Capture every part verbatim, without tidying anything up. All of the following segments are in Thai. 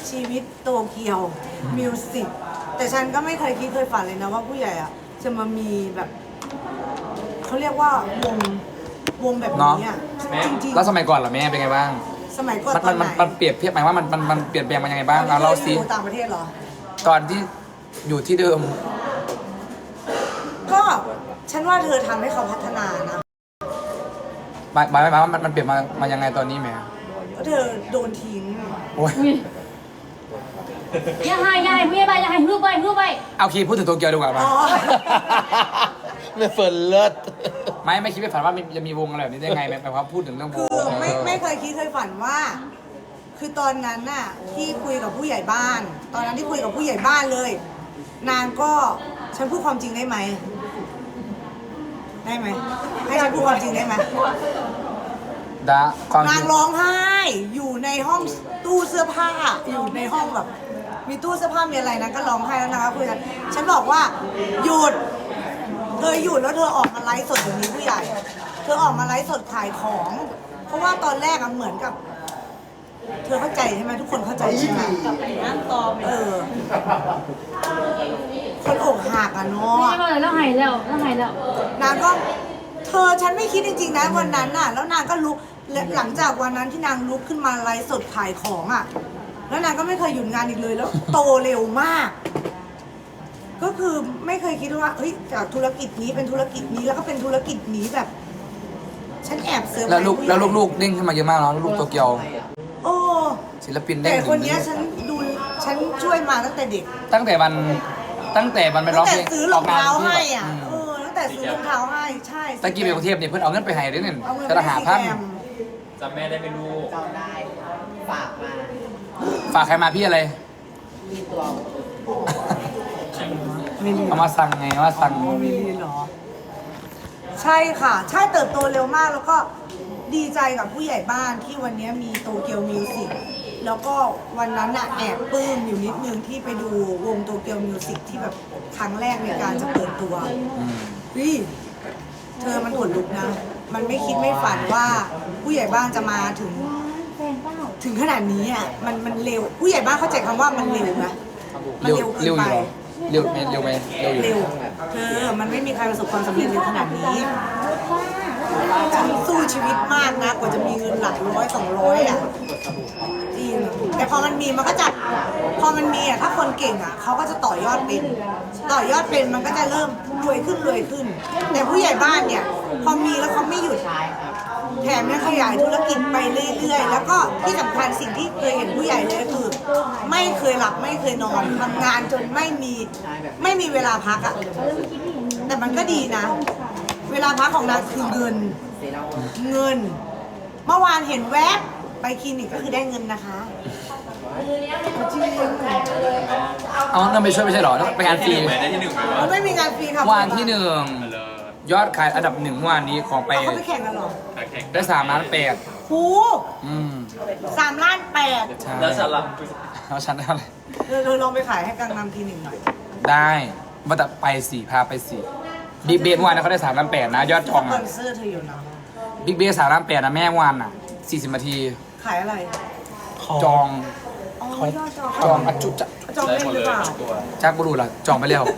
ชีวิตโตเกียวมิวสิกแต่ฉันก็ไม่เคยคิดเคยฝันเลยนะว่าผู้ใหญ่อะจะมามีแบบเขาเรียกว่าวงวงแบบนี้อะจริงๆแล้วสมัยก่อนล่ะแม่เป็นไงบ้างสมัยก่อนมันตอนไหนมันมันเปรียบเทียบหมายว่ามันมันมันเปลี่ยนแปลงมายังไงบ้างตอนเอาที่เราสิอยู่ต่างประเทศเหรอตอนที่อยู่ที่เดิมก็ฉันว่าเธอทำให้เขาพัฒนานะหมายหมายหมายว่ามันมันเปลี่ยนมามายังไงตอนนี้แม่เธอโดนทิ้งโอ้ยอย่าให้อย่าให้ผู้ใหญ่บ้านอย่าให้รูปไปรูปไปเอาคีพูดถึงโตเกียวดีกว่าป่ะอ๋อไม่เฟิร์นเลิศไม่ไม่คิดไม่ฝันว่ามันจะมีวงอะไรแบบนี้ได้ไงแม่แปลว่าพูดถึงเรื่องวคืงอไม่ไม่เคยคิดเคยฝันว่า คือตอนนั้นน่ะที่คุยกับผู้ใหญ่บ้าน ตอนนั้นที่คุยกับผู้ใหญ่บ้านเลย นางก็ฉันพูดความจริงได้ไหมได้ไหมให้ฉันพูดความจริงได้ไหมดาความจนาริงงร้องไห้อยู่ในห้องตู้เสื้อผ้าอยู่ในห้องแบบ มีตู้เสื้อผ้ามีอะไรนะก็ร้องไห้แล้วนะคะคุยกันฉันบอกว่าหยุดเธอหยุดแล้วเธอออกมาไลฟ์สดอย่างนี้ผู้ใหญ่ เธอออกมาไลฟ์สดขายของ เพราะว่าตอนแรกอะเหมือนกับ เธอเข้าใจใช่ไหมทุกคนเข้าใจใช่ไหมเออคนอกหักอะเนาผู้ใหะญ่บ้านแล้วให้แล้วแล้วให้แล้วนางก็เธอฉันไม่คิดจริงๆนะวันนั้นน่ะ แล้วนางก็ลุกและหลังจากวันนั้นที่นางลุกขึ้นมาไลฟ์สดขายของอ่ะ แล้วนางก็ไม่เคยหยุดงานอีกเลยแล้วโตเร็วมาก ก็คือไม่เคยคิดว่าเฮ้ยจากธุรกิจนี้เป็นธุรกิจนี้แล้วก็เป็นธุรกิจนี้แบบ ฉันแอบเซอร์ไพรแล้วส์ลูกผู้ใหญ่แล้วลูกๆเด้งขึ้นมาเยอะมากเนาะลูกโตเกียวโอ้ศิลปินเด้แต่งคนเนี้ยฉันดูฉันช่วยมาตั้งแต่เด็กตั้งแต่วันตั้งแต่มันไปร้ตั้องงแต่เพลงซื้อรองเท้าให้อ่ะอืมเออตั้งแต่ซื้อรองเท้าให้ใช่ตะกี้ไปกรุงเทพเนี่ยเพื่อนเอาเงินไปให้ด้วยเนี่ยเอาเงินกระหาพันไปให้แกมจำแม่ได้ไม่รู้จำได้ฝากมาฝากใครมาพี่อะไรมีตัวมิลลีเอามาสั่งไงว่าสั่งมิลลีเหรอ ใช่ค่ะ ใช่เติบโตเร็วมากแล้วก็ดีใจกับผู้ใหญ่บ้านที่วันนี้มีโตเกียวมิวสิกแล้วก็วันนั้นน่ะแอบปลื้มอยู่นิดนึงที่ไปดูวงโตเกียวมิวสิกที่แบบครั้งแรกในการจะเปิดตัวอืมวิเธอมันขนลุกนะ มันไม่คิดไม่ฝันว่าผู้ใหญ่บ้านจะมาถึงแฟนเปล่าถึงขนาดนี้อ่ะมันมันเร็ว ผู้ใหญ่บ้านเข้าใจคำว่ามันเร็วนะมันเร็วเร็วเกิเร็วน อไปยู่เหรอเร็วไหมเร็วไหมเร็วอยู่เร็วเธอมันไม่มีใครประสบความสำเร็จเร็วขนาดนี้ฉันสู้ชีวิตมากนะกว่าจะมีเงินหลักร้อยสองร้อยอ่ะจริงแต่พอมันมีมันก็จะพอมันมีอ่ะถ้าคนเก่งอ่ะเขาก็จะต่อยอดเป็น ต่อยอดเป็นมันก็จะเริ่มรวยขึ้นรวยขึ้น แต่ผู้ใหญ่บ้านเนี่ย พอมีแล้วเขาไม่หยุดแถมยังขยายธุรกิจไปเรื่อยๆ แล้วก็ที่สำคัญสิ่งที่เคยเห็นผู้ใหญ่เลยคือ ไม่เคยหลับไม่เคยนอนทำงานจนไม่มีไม่มีเวลาพักอ่ะ แต่มันก็ดีนะ เวลาพักของนางคือเงิน เงิน เมื่อวานเห็นแวบไปคลินิกก็คือได้เงินนะคะจริงเอาเงินไปช่วยไม่ใช่เหรอไปงานฟรีแม่ได้ที่หนึ่งไหมวะมันไม่มีงานฟรีค่ะวันที่หนึ่งมาเลยยอดขายอันดับหนึ่งเมื่อวานนี้ของไปเอาเขาไปแข่งกันเหรอขาแข่งได้สามล้านแปดหูอืมสามล้านแปดใช่แล้วฉันล่ะแล้วฉันได้เท่าไหร่เธอเธอลองไปขายให้กังนำคลินิกหน่อยได้มาแต่ไปสี่พาไปสี่บิ๊กเบสเมื่อวานนะเขาได้สามล้านแปดนะยอดจองสปออ่ะนเซอร์เธออยู่นะบิ๊กเบสสามล้านแปดนะแม่เมื่อวานอ่ะสี่สิบนาทีขายอะไรจองอ๋อยอดจองจองอัจจุจะจองได้เป็นหมดหรืเลอย เปล่าตัวจากบุรุษล่ะจองไปแล้ว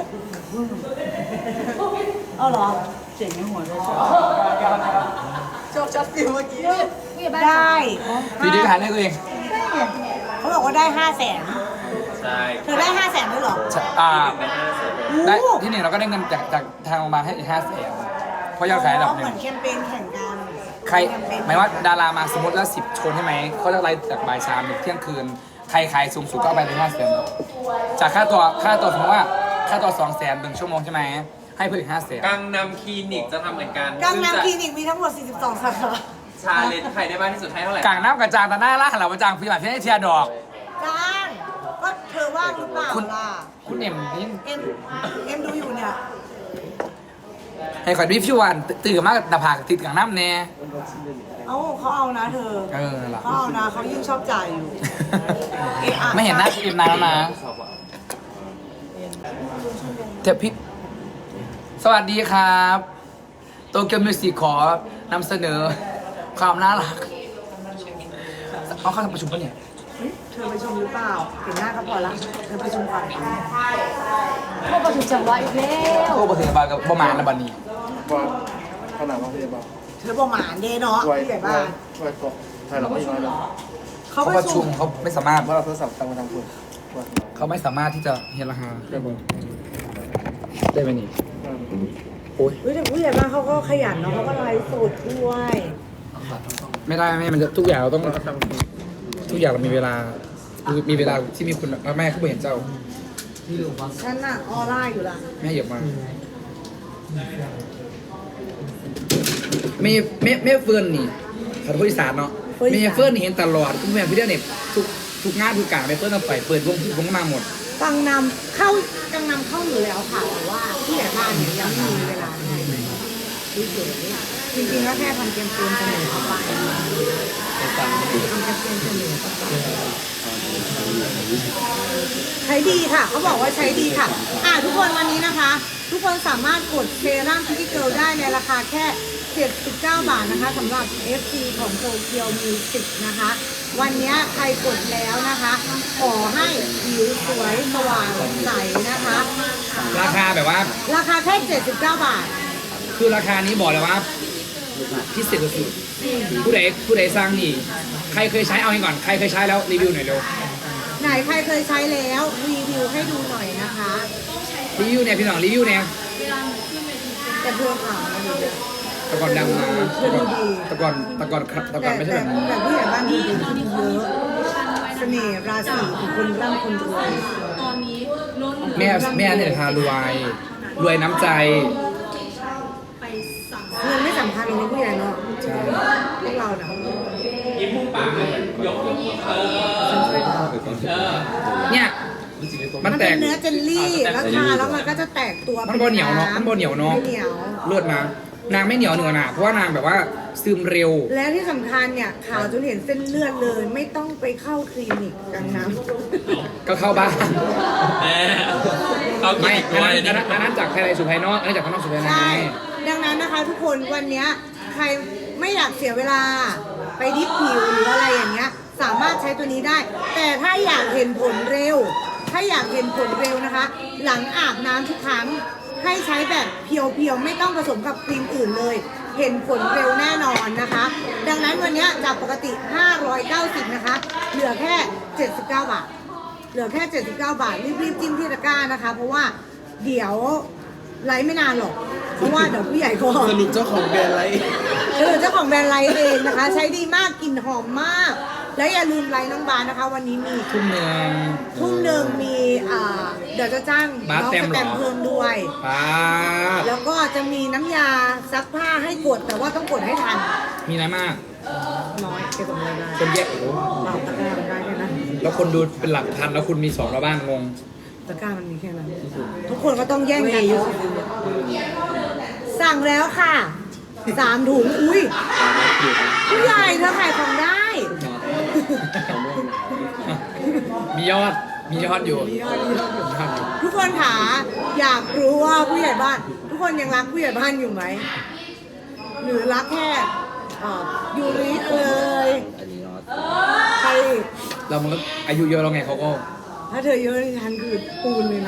เอาเหรอเจ๋งในหัวเลยจบจัดฟิวเมื่อกี้ผู้ใหญ่บ้านได้พี่ดิขายได้ตัวเองเขาบอกว่าได้ห้าแสนใช่เธอได้ห้าแสนด้วยเหรออ่าได้ห้าแสนได้โอ้ที่หนึ่งเราก็ได้เงินจากจากทางโรงพยาบาลให้อีกห้าแสนเพราะยอดขายอันดับหเหนึ่มืงอนแคมเปญแข่งกันใครแคมเปญหมายว่าดารามาสมมติแล้วสิบชนใช่ไหมเขาจะไล่จากบ่ายสามถึงเที่ยงคืน ใครขายสูงสุดก็เอาไปเลยห้าแสนจากค่าตัวค่าตัวสมมติว่าค่าตัวสองแสนหนึ่งชั่วโมงใช่ไหมให้เพิ่มอีกห้าแสนกังนำคลินิกจะทำเหมือนกันกังซึ่นำคจะลินิกมีทั้งหมดสี่สิบสองสาขาชาเลนจ์ใครได้มากที่สุดให้เท่าไหร่กลางน้ำกระจางแต่หน้าล่าหันหลังมาจางพี่หมาพี่ให้เทียร์ดอกจ้างก็เธอว่างหรือเปล่าคุณล่ะคุณเอ็มนี่เอ็มเอ็มดูอยู่เนี่ยให้ขอรีวิววันตื่นมากแต่ผากติดกลางน้ำแน่เอ้าเขาเอานะเธอเออนั่นแหละเขาเอานะเขายิ่งชอบจ่ายอยู่เอะอะไม่เห็นหน้าคุณเอ็มนานแล้วนะเทปพี่สวัสดีครับโตเกียวมิวสิกขอนำเสนอความน่ารักเอาเข้าประชุมปะเนี่ยเธอไปชมหรือเปล่าเห็นหน้าก็พอละเธอไปชมก่อนพวกประถูกจังหวะอีกแล้วโอ้ประเทศบาลกับประมาณละบันนี้ว่าขนาดว่าพยาบาลเธอบอกหมาเดเนาะไว้ผู้ใหญ่ไว้บ้านไว้เกาะไทยเราไม่น้อยแล้วเขาเขาไปประชชุมมเขาไม่สามารถว่าเราโทรศัพท์ตั้งมาทางคุณว่าเขาไม่สามารถที่จะเฮนราคาเรียบร้อยได้ไหมนี่โอ้ยเฮ้ยแต่ผู้ใหญ่บ้านเขาก็ขยันเนาะเขาก็ไลฟ์สดด้วยไม่ได้ไม่มันจะทุกอย่างเราต้องทุกอย่างเรามีเวลามีเวลาที่มีคุณแม่เขาไม่เห็นเจ้าฉันน่ะออร่าอยู่ละแม่เหยียบมาไม่ไม่ไม่เฟิร์นนี่ขอโทษอีสานเนาะไม่เฟิร์นนี่เห็นตลอดทุกแม่พี่เดียเนี่ยทุกทุกงานทุกการไม่เฟิร์นต้องไปเปิดวงวงมาหมดกังนำเข้ากังนำเข้าอยู่แล้วค่ะแต่ว่าผู้ใหญ่บ้านเนี่ยยังไม่มีเวลาให้เฉยๆจริงๆแล้วแค่ทำเกมเกมเสนอเข้าไปทำเกมเกมเสนอเข้าไปใช้ดีค่ะเขาบอกว่าใช้ดีค่ะอ่าทุกคนวันนี้นะคะ ทุกคนสามารถกดเซรั่มพิทิเกิลได้ในราคาแค่เจ็ดสิบเก้าบาทนะคะสำหรับ เอฟ ซี ของโตเกียวมิวสิกนะคะ วันนี้ใครกดแล้วนะคะ ขอให้ผิวสวยสว่างใสนะคะราคาแบบว่าราคาแค่เจ็ดสิบเก้าบาทคือราคานี้บอกเลยว่าพิเศษสุดๆผู้ใดผู้ใดสร้างนี่ใครเคยใช้เอาให้ก่อนใครเคยใช้แล้วรีวิวหน่อยเร็วไหนใครเคยใช้แล้วรีวิวให้ดูหน่อยนะคะรีวิวเนี่ยพี่น้องรีวิวเนี่ยแต่เพื่อขาวนะดูดิแตะก่อนดังนะแตะก่อนแตะก่อนแตะก่อนแตะก่แต่อนไม่ใช่แต่แบบนี้แต่ผู้ใหญ่บ้านดูดีเยอะเสน่ห์ราศีของคนร่ำคนรวยแม่แม่เนี่ยทารวยรวยน้ำใจเงินไม่สำคัญเลยนะผู้ใหญ่เนาะใช่พวกเราเนาะยิ้มมุมปากเลยยกยกเออเนี่ยมันมันแตเป็นกเนื้อเจลลี่แล้วทาแล้วมันก็จะแตกตัวมันบ่เหนียวเนาะมันบ่เหนียวเนาะไม่เหนียวเลือดมานางไม่เหนียวเหนือหนาเพราะว่านางแบบว่าซึมเร็วและที่สำคัญเนี่ยขาวจนเห็นเส้นเลือดเลย ไม่ต้องไปเข้าคลินิกกังน้ำก็เข้าบ้านแม่เขากินไม่อีกอันด้วนั้ยนอันนั้นอันนั้นจากภายในสู่ภายนอกอันนี้จากภายนอกสู่ภายในใช่ ดังนั้นนะคะทุกคนวันเนี้ยใครไม่อยากเสียเวลาไปดิฟผิวหรืออะไรอย่างเงี้ยสามารถใช้ตัวนี้ได้ แต่ถ้าอยากเห็นผลเร็ว ถ้าอยากเห็นผลเร็วนะคะ หลังอาบน้ำทุกครั้งให้ใช้แบบเพียวๆไม่ต้องผสมกับครีมอื่นเลย เห็นผลเร็วแน่นอนนะคะ ดังนั้นวันเนี้ยจากปกติห้าร้อยเก้าสิบนะคะ เหลือแค่เจ็ดสิบเก้าบาท เหลือแค่เจ็ดสิบเก้าบาทรีบๆจิ้มที่ตะกร้านะคะ เพราะว่าเดี๋ยวไลฟ์ไม่นานหรอก เพราะว่าเดี๋ยวผู้ใหญ่ก็สรุปเจ้าของแบรนด์อะไรเออเจ้าของแบรนด์ไลฟ์เองนะคะ ใช้ดีมากกลิ่นหอมมาก แล้วอย่าลืมไลฟ์น้องบานนะคะ วันนี้มีทุ่มหนึ่งทุ่มหนึ่งมีอ่าเดี๋ยวจะจ้างบาสน้องแตมสแตมเหรอเพิ่มด้วยป้าดแล้วก็จะมีน้ำยาซักผ้าให้กด แต่ว่าต้องกดให้ทันมีอะไรมากน้อยเก็บของรายได้คนแยกโอ้โหเปล่าตะกร้ามันได้แค่นั้นแล้วคนดูเป็นหลักพันแล้วคุณมีสองแล้วบ้านงงตะกร้ามันมีแค่นั้น ทุกคนก็ต้องแย่งกันเนาะสั่งแล้วค่ะสามถุงอุ้ยผู้ใหญ่เธอขายของได้มียอดมียอดอยู่มียอดมียอดอยู่มียอดอยู่ทุกคนถาอยากรู้ว่าผู้ใหญ่บ้าน ทุกคนยังรักผู้ใหญ่บ้านอยู่ไหมหรือรักแค่อ่ายูริเอ่ยใครอีกเรามันก็อายุเยอะแล้วไงเขาก็ถ้าเธอเยอะนี่ฉันคือปูนเลยนะ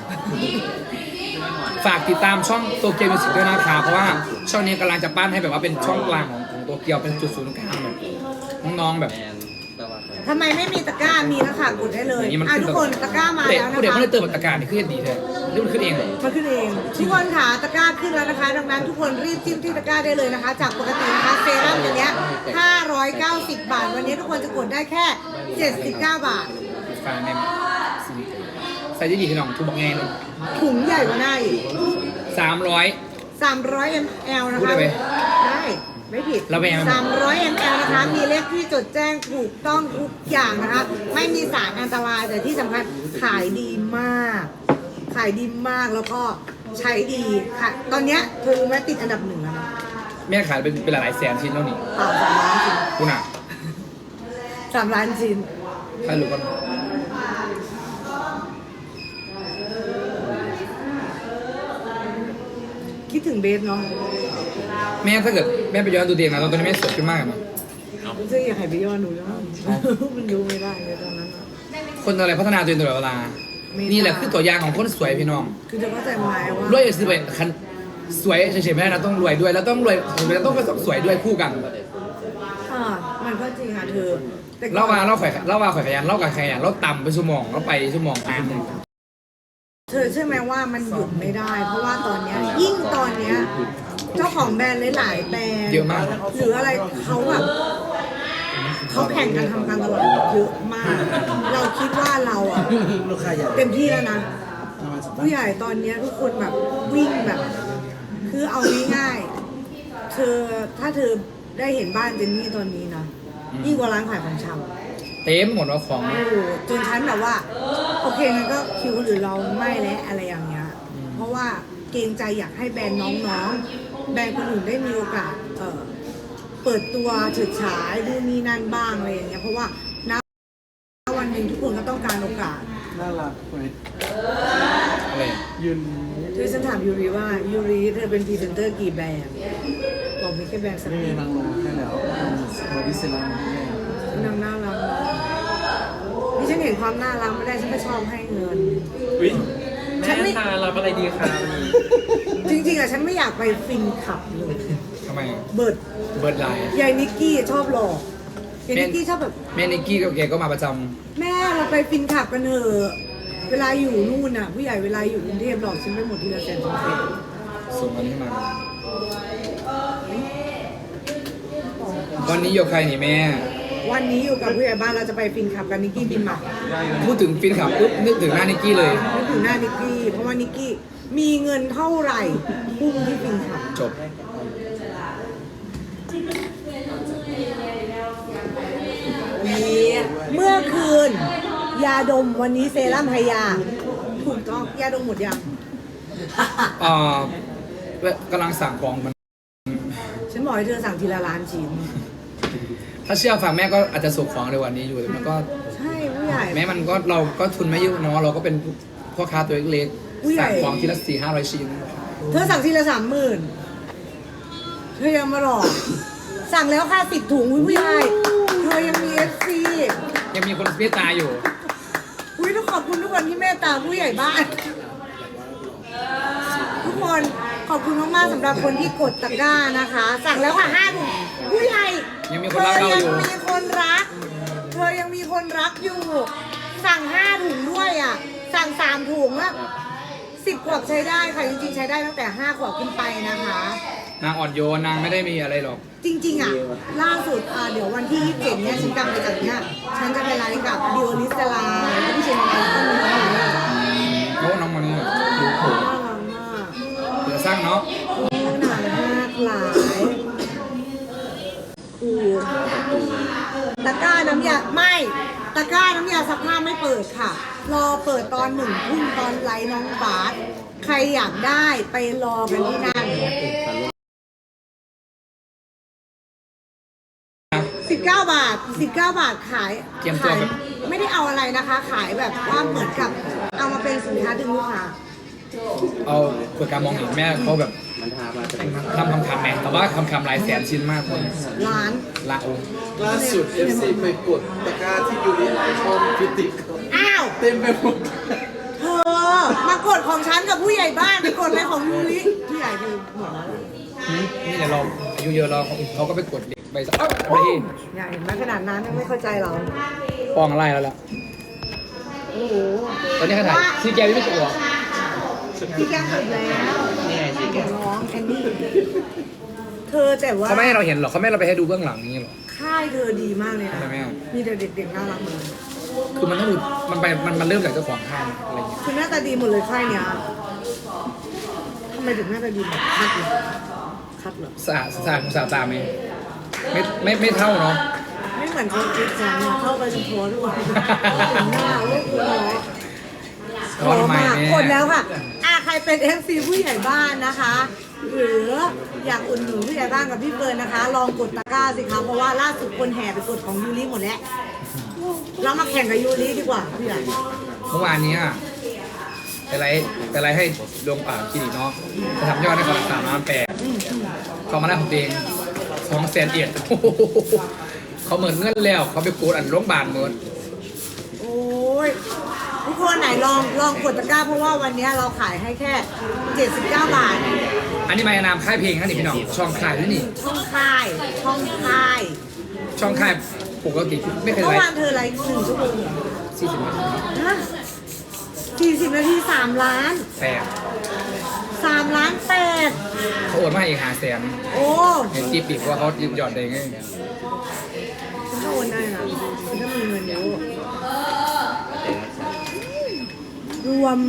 ฝากติดตามช่องโตเกียวมิวสิกด้วยนะคะเพราะว่าช่องนี้กำลังจะปั้นให้แบบว่าเป็นช่องกลางของของโตเกียวเป็นจุดศูนย์กลางแบบน้องๆแบบทำไมไม่มีตะกร้ามีแล้วค่ะกดได้เลยอย่างนี้มันอ่ะขึ้นทุกคนตะกร้ามาแล้วนะผู้เด็กคะเขาเลยเติมตะการนี่ขึ้นดีแท้นี่มันขึ้นเองเหรอมาขึ้นเองทุกคนค่ะตะกร้าขึ้นแล้วนะคะ ดังนั้นทุกคนรีบจิ้มที่ตะกร้าได้เลยนะคะ จากปกตินะคะเซรั่มตัวเนี้ยห้าร้อยเก้าสิบบาท วันนี้ทุกคนจะกดได้แค่เจ็ดสิบเก้าบาทฟ้าแม่ใส่ดีๆพี่น้องทุบบอกไงเลยถุงใหญ่กว่าหน้าอีกสามร้อยสามร้อยมลนะพูดคะได้ไหมได้ไม่ผิดแล้วแม่มันสามร้อยมลนะคะ มีเลขที่จดแจ้งถูกต้องทุกอย่างนะคะ ไม่มีสารอันตรายแต่ที่สำคัญขายดีมาก ขายดีมากแล้วก็ใช้ดีค่ะ ตอนเนี้ยเธอรู้ไหมติดอันดับหนึ่งแล้วนะแม่ขายเป็นเป็นหลายๆแสนชิ้นแล้วนี่เปล่าสามล้านชิ้นคุณอ่ะสามล้านชิ้นใครรู้กันคิดถึงเบสเนาะแม่ถ้าเกิดแม่ไปย้อนดูเด็กนะตอนนี้แม่สวยขึ้นมากอะเนาะรู้สึกอยากให้ไปย้อนดูแล้วมันดูไม่ได้เลยตอนนั้นอะคนอะไรพัฒนาตัวเองตลอดเวลา นี่แหละคือตัวอย่างของคนสวยพี่น้องคือจะเข้าใจไหมว่ารวยสิไปคันสวยเฉยๆไม่ได้นะต้องรวยด้วยแล้วต้องรวยแล้วต้องสวยด้วยคู่กันอ่ามันก็จริงอ่ะเธอแต่ก่อนเล่ามาเล่าข่อยเล่ามาข่อยขยันเล่ากับขยันเล่าต่ำไปชั่วโมงเล่าไปชั่วโมงตามเธอเชื่อไหมว่ามันหยุดไม่ได้ เพราะว่าตอนเนี้ยยิ่งตอนเนี้ยเจ้าของแบรนด์หลายๆแบรนด์เยอะมากหรืออะไรเขาแบบเขาแข่งกันทำการตลาดเยอะมาก เราคิดว่าเราอ่ะลูกค้าใหญ่เต็มที่แล้วนะผู้ใหญ่ตอนเนี้ยทุกคนแบบวิ่งแบบ คือเอาง่ายๆเธอถ้าเธอได้เห็นบ้านเจนนี่ตอนนี้นะยิ่งกว่าร้านขายของชำเต็มหมดว่าของโอ้โหจนฉันแบบว่า โอเคงั้นก็คิวคนอื่นเราไม่แล้วอะไรอย่างเงี้ย เพราะว่าเกรงใจอยากให้แบรนด์น้องๆ แบรนด์คนอื่นได้มีโอกาสเอ่อเปิดตัวเฉิดฉายดูนนี่นั่นบ้างอะไรอย่างเงี้ยเพราะว่าณวันหนึ่งทุกคนก็ต้องการโอกาสน่ารักไหมอะไรยืนคือฉันถามยูริว่ายูริเธอเป็นพรีเซนเตอร์กี่แบรนด์บอกมีแค่แบรนด์สักไม่มีนางลงให้แล้วบอดี้เซรั่มให้นางน่ารักนะนี่ฉันเห็นความน่ารักไม่ได้ฉันก็ชอบให้เงินอุ้ยฉัแม่นไม่ทานรับอะไรดีคะวันนี้จริงๆอะฉันไม่อยากไปฟินขับเลยทำไมเบิร์ดเบิร์ดไลน์ยายนิกกี้ชอบหลอกยายนิกกี้ชอบแบบแม่นิกกี้กับแกก็มาประจแม่เราไปฟินขับกันเถอะเวลาอยู่นู่นน่ะ ผู้ใหญ่เวลาอยู่กรุงเทพหลอกฉันไปหมดทีละแสนสองแสนำส่งอันนี้มาวันนี้โยกใครนี่แม่วันนี้อยู่กับผู้ใหญ่บ้านเราจะไปฟินขับกันนิกกี้บินมาพูดถึงฟินขับปุ๊บนึกถึงหน้านิกกี้เลยนึกถึงหน้านิกกี้เพราะว่านิกกี้มีเงินเท่าไหร่พุ่งที่ฟินขับจบเมื่อคืน ยาดมวันนี้เซรั่มไฮยาถูกต้องยาดมหมดยังเอ่อกำลังสั่งของมันฉันบอกให้เธอสั่งทีละล้านชิ้นถ้าเชื่อฟังแม่ก็อาจจะส่งของในวันนี้อยู่แต่มันก็ใช่ผู้ใหญ่แม้มันก็เราก็ทุนไม่เยอะเนาะเราก็เป็นพ่อค้าตัวเล็กผู้ใหญ่ๆสั่งของทีละสี่ห้าร้อยชิ้นเธอสั่งทีละสามหมื่นเธอยังมาหลอกสั่งแล้วค่าสิบถุงอุ๊ยผู้ใหญ่เธอยังมีเอฟซียังมีคนเมตตาอยู่อุ้ยต้องขอบคุณทุกคนที่เมตตาผู้ใหญ่บ้าน ทุกคนขอบคุณมากๆสำหรับคนที่กดตะกร้านะคะ สั่งแล้วค่ะห้าถุงผู้ใหญ่ยังมีคนรักเราอยู่เธอยังมีคนรัก เธอยังมีคนรักอยู่ สั่งห้าถุงด้วยอ่ะ สั่งสามถุงอะสิบขวบใช้ได้ค่ะจริงๆใช้ได้ตั้งแต่ห้าขวบขึ้นไปนะคะนางอ่อนโยนนางไม่ได้มีอะไรหรอกจริงๆอ่ะล่าสุดอ่ะเดี๋ยววันที่ยี่สิบเจ็ดเนี่ยฉันกลับมาจากเนี้ยฉันจะไปไลฟ์กับดิวอลิสลาแล้วพี่เชนมาแล้วก็มีน้องหนูน่ารักโน้น้องมันนี่มากเหลือสร้างเนาะหนาหน้าหลายอูตะกร้าน้ำยาไม่ตะกร้าน้ำยาซักผ้าไม่เปิดค่ะ รอเปิดตอนหนึ่งทุ่มตอนไลฟ์น้องบาสใครอยากได้ไปรอกันที่นั่นสิบเก้าบาทสิบเก้าบาทขายเตรียมตัวขายแบบไม่ได้เอาอะไรนะคะ ขายแบบว่าเหมือนกับเอามาเป็นสินค้าดึงลูกค้าเอาเปิดการมองเห็นแม่เขาแบบทำคำคำแม่แต่ว่าคำคำหลายแสนชิ้นมากเลยร้านละโอล่าสุด เอฟ ซี ไปกดตะกร้าที่ยูริชอบพิติกอ้าวเต็มไปหมดเธอมากดของฉันกับผู้ใหญ่บ้านไปกดอะไรของยูริผู้ใหญ่ดูหมดแล้วนี่แต่เราอายุเยอะเราเขาก็ไปกดเด็กไปสักไปที่ใหญ่เห็นไหมขนาดนั้นยังไม่เข้าใจเราปองไล่แล้วล่ะโอ้โหตอนนี้เขาถ่ายซีแกไม่ใช่หรอพี่แก้มหมดแล้วร้องแอนนี่เธอแต่ว่าเขาไม่ให้เราเห็นหรอกเขาไม่ให้เราไปให้ดูเบื้องหลังนี้หรอกค่ายเธอดีมากเลยนะใช่ไหมมีแต่เด็กๆน่ารักหมดเลยคือมันต้องดูมันไปมันมันเริ่มจากเจ้าของค่ายอะไรอย่างเงี้ยคือหน้าตาดีหมดเลยค่ายเนี้ยทำไมถึงหน้าตาดีหมดคัดเหรอคัดเหรอสะอาดสะอาดสะอาดตาไหมไม่ไม่ไม่เท่าเนาะไม่เหมือนคนคิดจังอะเข้าไปเฉพาะด้วยหน้าโอ้โหขอมากกดแล้วค่ะอ่ะใครเป็น เอฟ ซี ผู้ใหญ่บ้านนะคะ หรืออยากอุ่นหนุนผู้ใหญ่บ้านกับพี่เฟิร์นนะคะ ลองกดตะกร้าสิคะเพราะว่าล่าสุดคนแห่ไปกดของยูริหมดแล้วเรามาแข่งกับยูริดีกว่าพี่ใหญ่เมื่อวานนี้อะไปไลฟ์ไปไลฟ์ให้ดวงป่าคลินิกเนาะจะทำยอดได้คนละสามล้านแปดเขามาได้ของตัวเองสองแสนเอ็ดขเขาเหมือนเงินแล้วเขาไปกูดอันโรงพยาบาลเหมือนโอ้ยทุกคนไหนลองลองกดตะกร้าเพราะว่าวันนี้เราขายให้แค่เจ็ดสิบเก้าบาทอันนี้มานามค่ายเพลงนะนี่พี่น้องช่องค่ายด้วยนี่ช่องค่ายช่องค่ายช่องค่ายปกติไม่เคยเมื่ไลอวานฟ์เธอไลฟ์หนึ่งชั่วโมงสี่สิบนาทีฮะสี่สิบนาทีสามล้านแปดสามล้านแปดเขาโอนมาอีกหาแสนโอ้เห็นจีบปีกว่าเขายืมยอดได้ไงฉันก็โอนได้นะฉันก็มีเงินเยอะรวม